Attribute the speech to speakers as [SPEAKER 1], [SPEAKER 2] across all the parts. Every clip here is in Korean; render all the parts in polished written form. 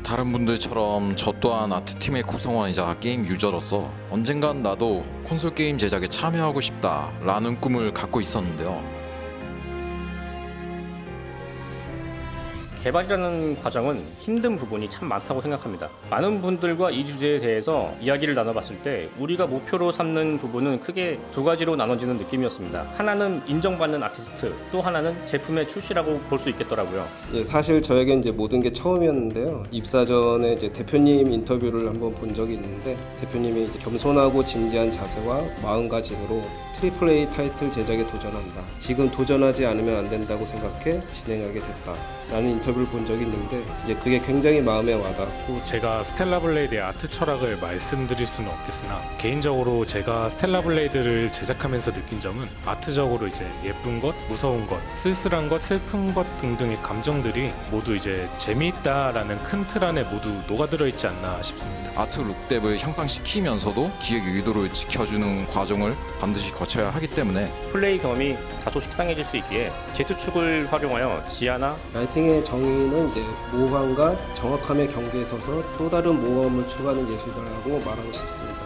[SPEAKER 1] 다른 분들처럼 저 또한 아트팀의 구성원이자 게임 유저로서 언젠간 나도 콘솔 게임 제작에 참여하고 싶다라는 꿈을 갖고 있었는데요.
[SPEAKER 2] 개발이라는 과정은 힘든 부분이 참 많다고 생각합니다. 많은 분들과 이 주제에 대해서 이야기를 나눠봤을 때 우리가 목표로 삼는 부분은 크게 두 가지로 나눠지는 느낌이었습니다. 하나는 인정받는 아티스트, 또 하나는 제품의 출시라고 볼 수 있겠더라고요.
[SPEAKER 3] 사실 저에겐 이제 모든 게 처음이었는데요. 입사 전에 이제 대표님 인터뷰를 한번 본 적이 있는데 대표님이 이제 겸손하고 진지한 자세와 마음가짐으로 트리플 A 타이틀 제작에 도전한다. 지금 도전하지 않으면 안 된다고 생각해 진행하게 됐다. 라는 인터뷰를 본 적이 있는데 이제 그게 굉장히 마음에 와닿고
[SPEAKER 4] 제가 스텔라 블레이드의 아트 철학을 말씀드릴 수는 없겠으나 개인적으로 제가 스텔라 블레이드를 제작하면서 느낀 점은 아트적으로 이제 예쁜 것, 무서운 것, 쓸쓸한 것, 슬픈 것 등등의 감정들이 모두 이제 재미있다라는 큰 틀 안에 모두 녹아들어 있지 않나 싶습니다.
[SPEAKER 1] 아트 룩뎁을 향상시키면서도 기획 의도를 지켜주는 과정을 반드시 거쳐야 하기 때문에
[SPEAKER 2] 플레이 경험이 다소 식상해질 수 있기에 Z축을 활용하여 지하나
[SPEAKER 3] 라이팅의 정의는 이제 모호함과 정확함의 경계에 서서 또 다른 모호함을 추구하는 예술가라고 말하고 싶습니다.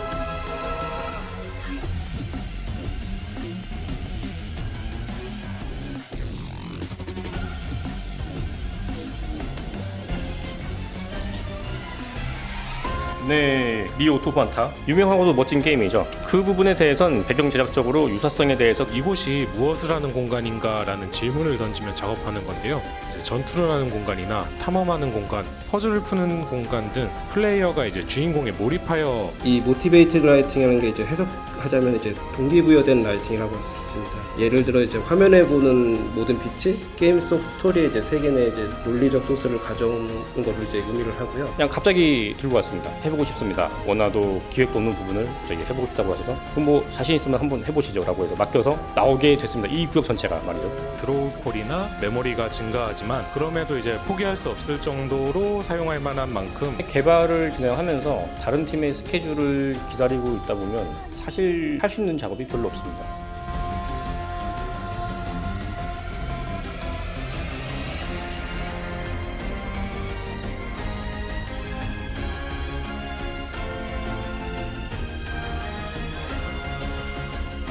[SPEAKER 2] 네, 리 오토마타 유명하고도 멋진 게임이죠. 그 부분에 대해선 배경 제작적으로 유사성에 대해서
[SPEAKER 4] 이곳이 무엇을 하는 공간인가라는 질문을 던지며 작업하는 건데요. 이제 전투를 하는 공간이나 탐험하는 공간, 퍼즐을 푸는 공간 등 플레이어가 이제 주인공에 몰입하여
[SPEAKER 3] 이 모티베이티드 라이팅이라는 게 이제 해석하자면 이제 동기부여된 라이팅이라고 할 수 있습니다. 예를 들어 이제 화면에 보는 모든 빛이 게임 속 스토리의 이제 세계 내 이제 논리적 소스를 가져오는 것을 이제 의미를 하고요.
[SPEAKER 2] 그냥 갑자기 들고 왔습니다. 해보고 싶습니다. 원화도 기획도 없는 부분을 저기 해보고 싶다고 하셔서 그럼 뭐 자신 있으면 한번 해보시죠 라고 해서 맡겨서 나오게 됐습니다. 이 구역 전체가 말이죠.
[SPEAKER 4] 드로우 콜이나 메모리가 증가하지만 그럼에도 이제 포기할 수 없을 정도로 사용할 만한 만큼
[SPEAKER 2] 개발을 진행하면서 다른 팀의 스케줄을 기다리고 있다 보면 사실 할 수 있는 작업이 별로 없습니다.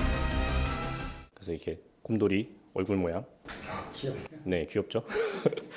[SPEAKER 2] 그래서 이렇게 곰돌이 얼굴 모양. 네, 귀엽죠?